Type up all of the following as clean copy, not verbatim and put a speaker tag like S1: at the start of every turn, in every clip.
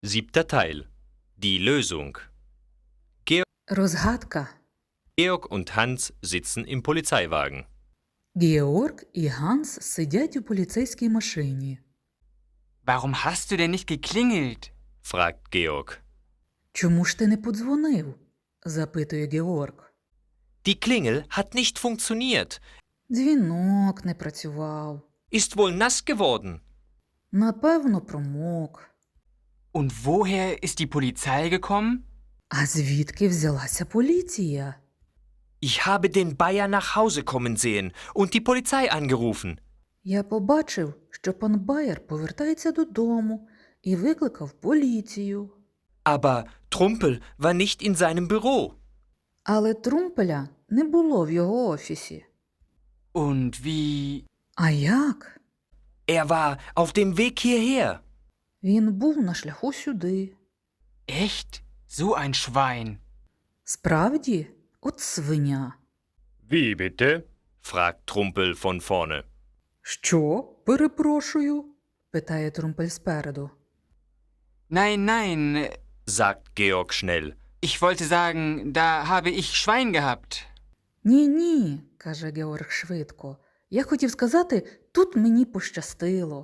S1: Siebter Teil. Die Lösung.
S2: Розгадка.
S1: Georg und Hans sitzen im Polizeiwagen.
S2: Георг і Ганс сидять у поліцейській машині.
S3: Warum hast du denn nicht geklingelt?
S1: Fragt Georg.
S2: Чому ж ти не подзвонив? Запитує Георг.
S1: Die Klingel hat nicht funktioniert.
S2: Дзвінок не працював.
S1: Ist wohl nass geworden.
S2: Напевно, промок.
S3: Und woher ist die Polizei gekommen?
S2: А звідки взялася поліція?
S1: Ich habe den Bayer nach Hause kommen sehen und die Polizei angerufen.
S2: Я побачив, що пан Байер повертається додому і викликав поліцію.
S1: Aber Trumpel war nicht in seinem Büro.
S2: Але Трумпеля не було в його офісі.
S3: Und wie...
S2: А як?
S1: Er war auf dem Weg hierher.
S2: Він був на шляху сюди.
S3: Echt? So ein Schwein.
S2: Справді? От свиня.
S4: Wie bitte?
S1: Fragt Trumpel von vorne.
S2: Що? Перепрошую? Питає Трумпель спереду.
S3: Nein, nein,
S1: Sagt Georg schnell.
S3: ich wollte sagen, da habe ich Schwein gehabt.
S2: Ні, каже Георг швидко. Я хотів сказати, тут мені пощастило.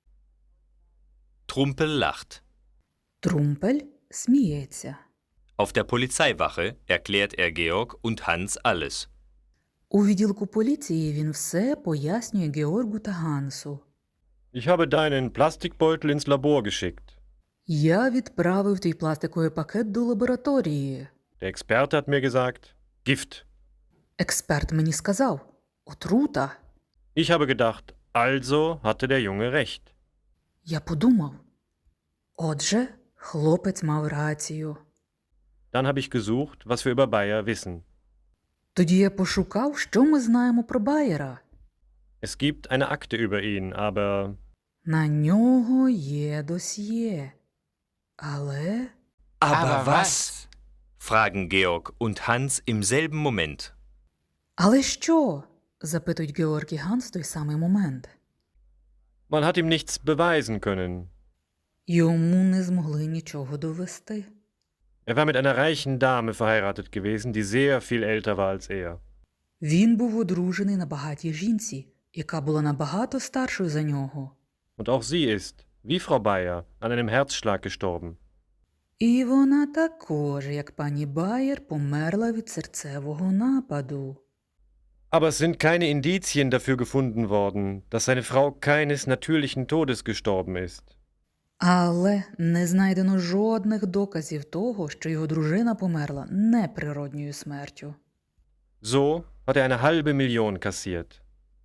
S1: Trumpel lacht.
S2: Трумпель сміється.
S1: Auf der Polizeiwache erklärt er Georg und Hans alles.
S2: У відділку поліції він все пояснює Георгу та Гансу.
S4: Ich habe deinen Plastikbeutel ins Labor geschickt.
S2: Я відправив твій пластиковий пакет до лабораторії.
S4: Der Experte hat mir gesagt, Gift.
S2: Експерт мені сказав – отрута.
S4: Ich habe gedacht, also hatte der Junge recht.
S2: Я подумав. Отже, хлопець мав рацію.
S4: Dann habe ich gesucht, was wir über Bayer wissen.
S2: Тоді я пошукав, що ми знаємо про Байера.
S4: Es gibt eine Akte über ihn, aber
S2: На нього є досьє. Але...
S1: Aber was? Fragen Georg und Hans im selben Moment.
S2: Але що? Запитують Георг і Ганс в той самий момент.
S4: man hat ihm nichts beweisen können.
S2: Йому не змогли нічого довести.
S4: Er war mit einer reichen Dame verheiratet gewesen, die sehr viel älter war als er.
S2: Він був одружений на багатій жінці, яка була набагато старшою за нього.
S4: Und auch sie ist, wie Frau Bayer, an einem Herzschlag gestorben.
S2: І вона також, як пані Байер, померла від серцевого нападу.
S4: Aber es sind keine Indizien dafür gefunden worden, dass seine Frau keines natürlichen Todes gestorben ist.
S2: Але не знайдено жодних доказів того, що його дружина померла неприродньою смертю.
S4: So hat er eine halbe Million kassiert.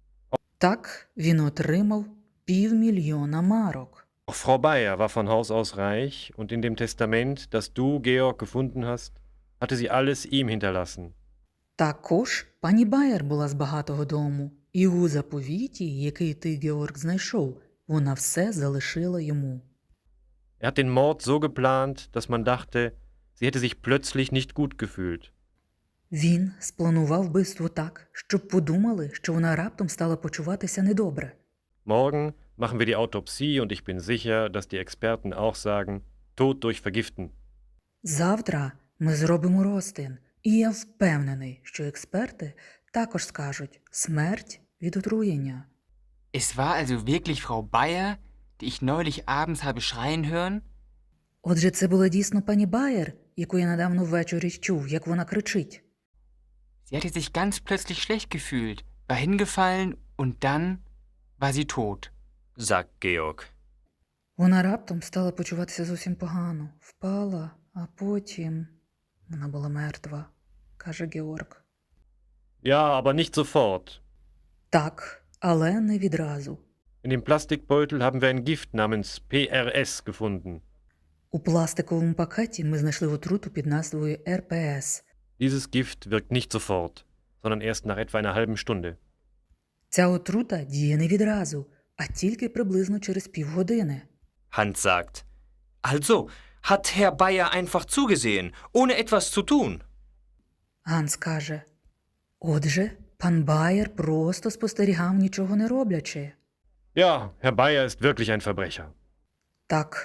S2: Так він отримав 500 000 марок.
S4: Auch Frau Bayer war von Haus aus reich und in dem Testament, das du, Georg, gefunden hast, hatte sie alles ihm hinterlassen.
S2: Також пані Байер була з багатого дому, і у заповіті, який ти, Георг, знайшов, вона все залишила йому.
S4: Er hat den Mord so geplant, dass man dachte, sie hätte sich plötzlich nicht gut gefühlt.
S2: Він спланував вбивство так, щоб подумали, що вона раптом стала почуватися недобре.
S4: Morgen machen wir die Autopsie und ich bin sicher, dass die Experten auch sagen, Tod durch Vergiften.
S2: Завтра ми зробимо розтин, і я впевнений, що експерти також скажуть «смерть від отруєння».
S3: Es war also wirklich Frau Bayer, die ich neulich abends habe schreien hören?
S2: Отже, це була дійсно пані Байер, яку я недавно ввечері чув, як вона кричить.
S3: Sie hatte sich ganz plötzlich schlecht gefühlt, war hingefallen und dann war sie tot.
S1: Sagt Georg.
S2: Вона раптом стала почуватися зовсім погано, впала, а потім вона була мертва, каже Георг.
S4: Ja, aber nicht sofort.
S2: Так, але не відразу.
S4: In dem Plastikbeutel haben wir ein Gift namens PRS gefunden.
S2: У пластиковому пакеті ми знайшли отруту під назвою РПС.
S4: Dieses Gift wirkt nicht sofort, sondern erst nach etwa einer halben Stunde.
S2: Ця отрута діє не відразу, а тільки приблизно через півгодини.
S1: Hans sagt. Also, hat Herr Bayer einfach zugesehen, ohne etwas zu tun.
S2: Ганс каже, отже, пан Байер просто спостерігав, нічого не роблячи.
S4: Ja, Herr Bayer ist wirklich ein Verbrecher.
S2: Так,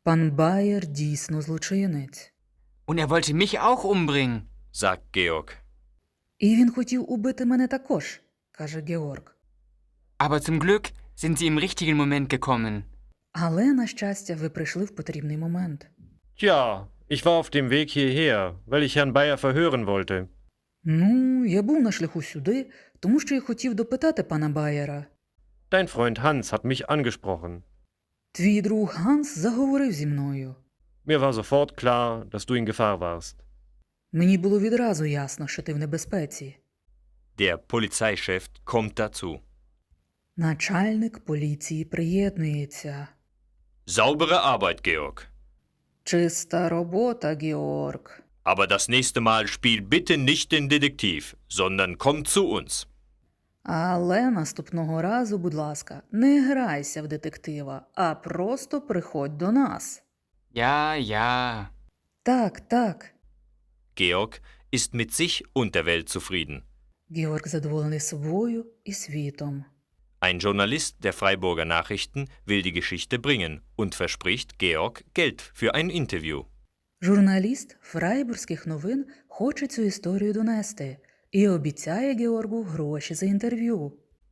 S2: Пан Байер дійсно злочинець.
S3: Und er wollte mich auch umbringen.
S1: sagt Georg.
S2: І він хотів убити мене також, каже Георг.
S3: Aber zum Glück sind Sie im richtigen Moment gekommen.
S2: Але, на щастя, ви прийшли в потрібний момент.
S4: Tja, ich war auf dem Weg hierher, weil ich Herrn Bayer verhören wollte.
S2: Ну, я був на шляху сюди, тому що я хотів допитати пана Байера.
S4: Dein Freund Hans hat mich angesprochen.
S2: Твій друг Ганс заговорив зі мною.
S4: Mir war sofort klar, dass du in Gefahr warst.
S2: Мені було відразу ясно, що ти в небезпеці.
S1: Der Polizeichef kommt dazu.
S2: Начальник поліції приєднується.
S1: Saubere Arbeit, Georg.
S2: Чиста робота, Георг.
S1: Aber das nächste Mal spiel bitte nicht den Detektiv, sondern komm zu uns.
S2: Але наступного разу, будь ласка, не грайся в детектива, а просто приходь до нас.
S3: Ja, ja.
S2: Так, так.
S1: Georg ist mit sich und der Welt zufrieden.
S2: Георг задоволений собою і світом.
S1: Ein Journalist der Freiburger Nachrichten will die Geschichte bringen und verspricht Georg Geld für ein Interview.
S2: Журналіст фрайбурзьких новин хоче цю історію донести і обіцяє Георгу гроші за інтерв'ю.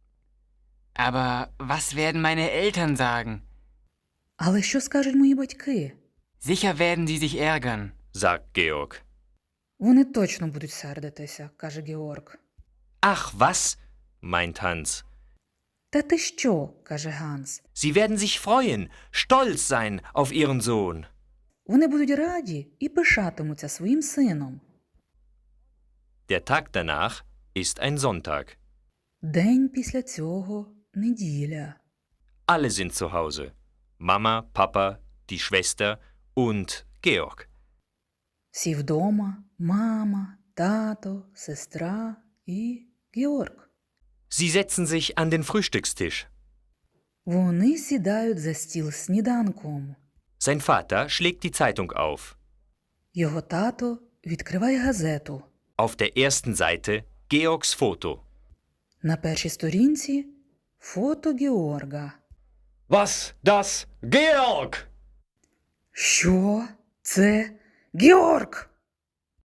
S3: Aber was werden meine Eltern sagen?
S2: Але що скажуть мої батьки?
S3: Sicher werden sie sich ärgern.
S1: Sagt Georg.
S2: Вони точно будуть сердитися, каже Георг.
S1: Ach was, meint Hans.
S2: Та ти що, каже Ганс.
S1: Sie werden sich freuen, stolz sein auf ihren Sohn.
S2: Вони будуть раді і пишатимуться своїм сином.
S1: Der Tag danach ist ein Sonntag.
S2: День після цього – неділя.
S1: Alle sind zu Hause. Mama, Papa, die Schwester und Georg.
S2: Всі вдома – мама, тато, сестра і Георг.
S1: Sie setzen sich an den Frühstückstisch.
S2: Вони сідають за стіл з сніданком.
S1: Sein Vater schlägt die Zeitung auf.
S2: Його тато відкриває газету.
S1: Auf der ersten Seite Georgs Foto.
S2: На першій сторінці – фото Георга.
S4: Was? Das? Georg!
S2: Що? Це Георг!